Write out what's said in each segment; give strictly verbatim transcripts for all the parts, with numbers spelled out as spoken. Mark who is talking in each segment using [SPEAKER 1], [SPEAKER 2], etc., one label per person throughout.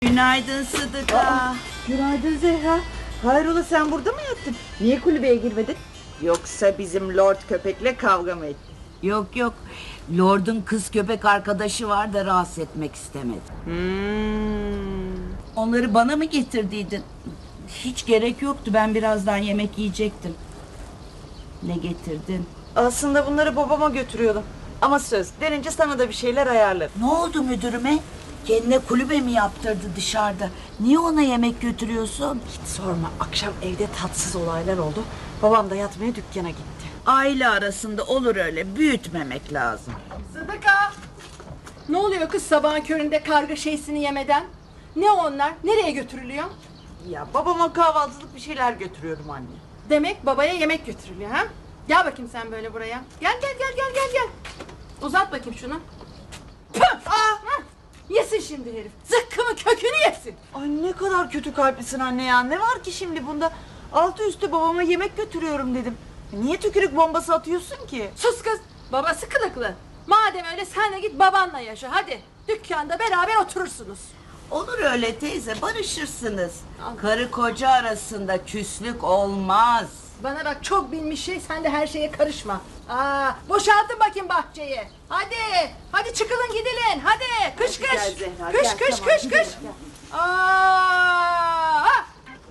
[SPEAKER 1] Günaydın Sıdıka.
[SPEAKER 2] Aa, günaydın Zehra. Hayrola, sen burada mı yattın? Niye kulübeye girmedin? Yoksa bizim Lord köpekle kavga mı ettin?
[SPEAKER 1] Yok yok. Lord'un kız köpek arkadaşı var da rahatsız etmek istemedi.
[SPEAKER 2] Hmm.
[SPEAKER 1] Onları bana mı getirdiydin? Hiç gerek yoktu. Ben birazdan yemek yiyecektim. Ne getirdin?
[SPEAKER 2] Aslında bunları babama götürüyordum. Ama söz denince sana da bir şeyler ayarlarım.
[SPEAKER 1] Ne oldu müdürüme? Kendine kulübe mi yaptırdı dışarıda? Niye ona yemek götürüyorsun?
[SPEAKER 2] Hiç sorma, akşam evde tatsız olaylar oldu. Babam da yatmaya dükkana gitti.
[SPEAKER 1] Aile arasında olur öyle. Büyütmemek lazım.
[SPEAKER 3] Sıdıka! Ne oluyor kız sabahın köründe karga şeysini yemeden? Ne onlar? Nereye götürülüyor?
[SPEAKER 2] Ya babama kahvaltılık bir şeyler götürüyorum anne.
[SPEAKER 3] Demek babaya yemek götürülüyor ha? Gel bakayım sen böyle buraya. Gel gel gel gel gel gel. Uzat bakayım şunu. Püh! Aa! Hah! Yesin şimdi herif. Zıkkımın kökünü yesin.
[SPEAKER 2] Ay ne kadar kötü kalplisin anne ya. Ne var ki şimdi bunda? Altı üstü babama yemek götürüyorum dedim. Niye tükürük bombası atıyorsun ki?
[SPEAKER 3] Sus kız. Babası kılıklı. Madem öyle sen de git babanla yaşa hadi. Dükkanda beraber oturursunuz.
[SPEAKER 1] Olur öyle teyze, barışırsınız. Karı koca arasında küslük olmaz.
[SPEAKER 3] Bana bak, çok bilmiş şey, sen de her şeye karışma. Aa, boşaltın bakayım bahçeyi. Hadi, hadi çıkılın gidilin. Hadi, kış kış.
[SPEAKER 2] Gel Zehra,
[SPEAKER 3] Kış
[SPEAKER 2] gel,
[SPEAKER 3] kış
[SPEAKER 2] tamam,
[SPEAKER 3] kış
[SPEAKER 2] gidelim,
[SPEAKER 3] kış.
[SPEAKER 2] gel.
[SPEAKER 3] Aa! ha!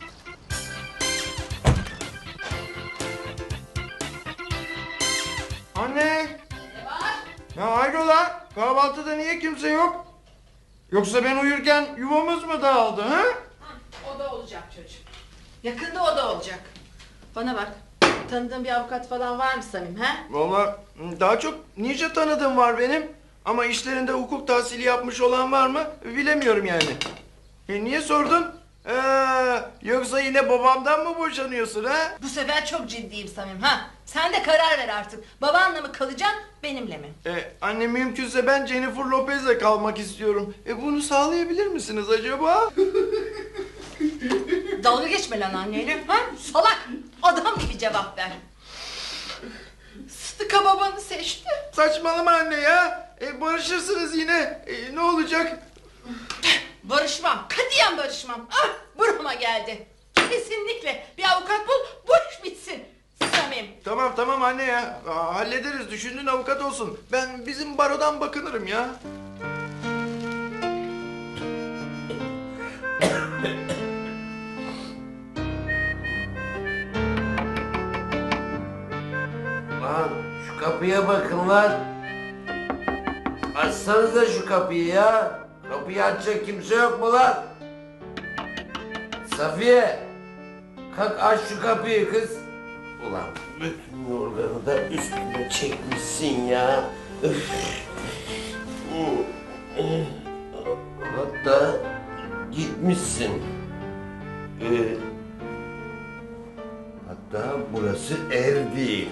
[SPEAKER 4] Anne! Ne var? Ya hayrola? Kahvaltıda niye kimse yok? Yoksa ben uyurken yuvamız mı dağıldı ha?
[SPEAKER 3] O da olacak çocuğum. Yakında o da olacak. Bana bak, tanıdığın bir avukat falan var mı Samim ha?
[SPEAKER 4] Vallahi daha çok nice tanıdığım var benim. Ama işlerinde hukuk tahsili yapmış olan var mı bilemiyorum yani. E niye sordun? Ee, yoksa yine babamdan mı boşanıyorsun ha?
[SPEAKER 3] Bu sefer çok ciddiyim Samim ha. Sen de karar ver artık. Babanla mı kalacaksın, benimle mi?
[SPEAKER 4] E, anne mümkünse ben Jennifer Lopez'le kalmak istiyorum. E bunu sağlayabilir misiniz acaba?
[SPEAKER 3] Dalga geçme lan anneyle. Ha? Salak! Adam gibi cevap ver. Sıdıka babanı seçti.
[SPEAKER 4] Saçmalama anne ya. E, barışırsınız yine. E, ne olacak?
[SPEAKER 3] Barışmam. Katiyen barışmam. Ah! Burama geldi. Kesinlikle bir avukat bul, bu iş bitsin. Samim.
[SPEAKER 4] Tamam tamam anne ya. Aa, hallederiz. Düşündüğün avukat olsun. Ben bizim barodan bakınırım ya.
[SPEAKER 5] Lan şu kapıya bakın lan. Açsanıza şu kapıyı ya. Kapıyı açacak kimse yok mu lan? Safiye. Kalk aç şu kapıyı kız. Ulan bütün yorganı da üstüne çekmişsin ya. Üf. Hatta gitmişsin. Ee, hatta burası ev değil.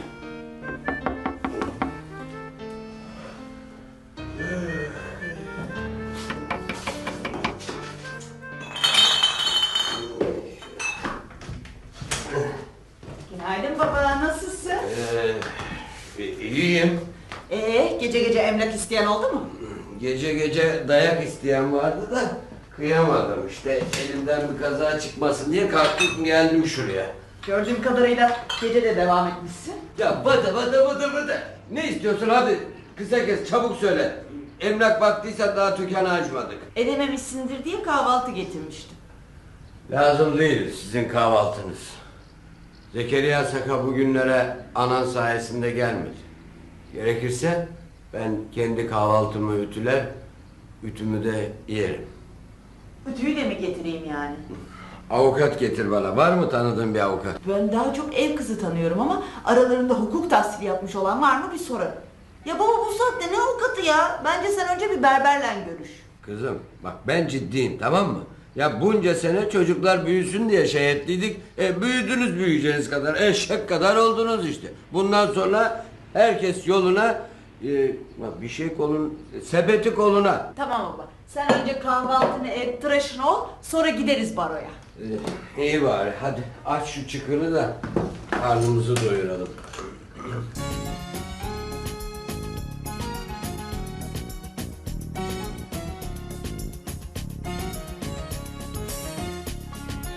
[SPEAKER 2] Günaydın baba, nasılsın?
[SPEAKER 5] Ee, iyiyim.
[SPEAKER 2] Ee, gece gece emlak isteyen oldu mu?
[SPEAKER 5] Gece gece dayak isteyen vardı da kıyamadım işte. Elimden bir kaza çıkmasın diye kalktım geldim şuraya.
[SPEAKER 2] Gördüğüm kadarıyla gece de devam etmişsin.
[SPEAKER 5] Ya bada bada bada bada. Ne istiyorsun hadi kısa kes çabuk söyle. Emlak baktıysa daha dükkanı açmadık.
[SPEAKER 2] Edememişsindir diye kahvaltı getirmiştim.
[SPEAKER 5] Lazım değil sizin kahvaltınız. Zekeriya Saka bugünlere anan sayesinde gelmedi. Gerekirse ben kendi kahvaltımı ütüler, ütümü de yerim.
[SPEAKER 2] Ütüyü de mi getireyim yani?
[SPEAKER 5] Avukat getir bana. Var mı tanıdığın bir avukat?
[SPEAKER 2] Ben daha çok ev kızı tanıyorum ama aralarında hukuk tahsili yapmış olan var mı bir sorarım. Ya baba, bu saatte ne avukatı ya? Bence sen önce bir berberle görüş.
[SPEAKER 5] Kızım bak ben ciddiyim tamam mı? Ya bunca sene çocuklar büyüsün diye şey ettiydik. E, büyüdünüz büyüyeceğiniz kadar. Eşek kadar oldunuz işte. Bundan sonra herkes yoluna e, bak bir şey kolun sepeti koluna.
[SPEAKER 2] Tamam baba. Sen önce kahvaltını et, tıraşın ol, sonra gideriz baroya.
[SPEAKER 5] E, iyi bari hadi aç şu çıkını da karnımızı doyuralım.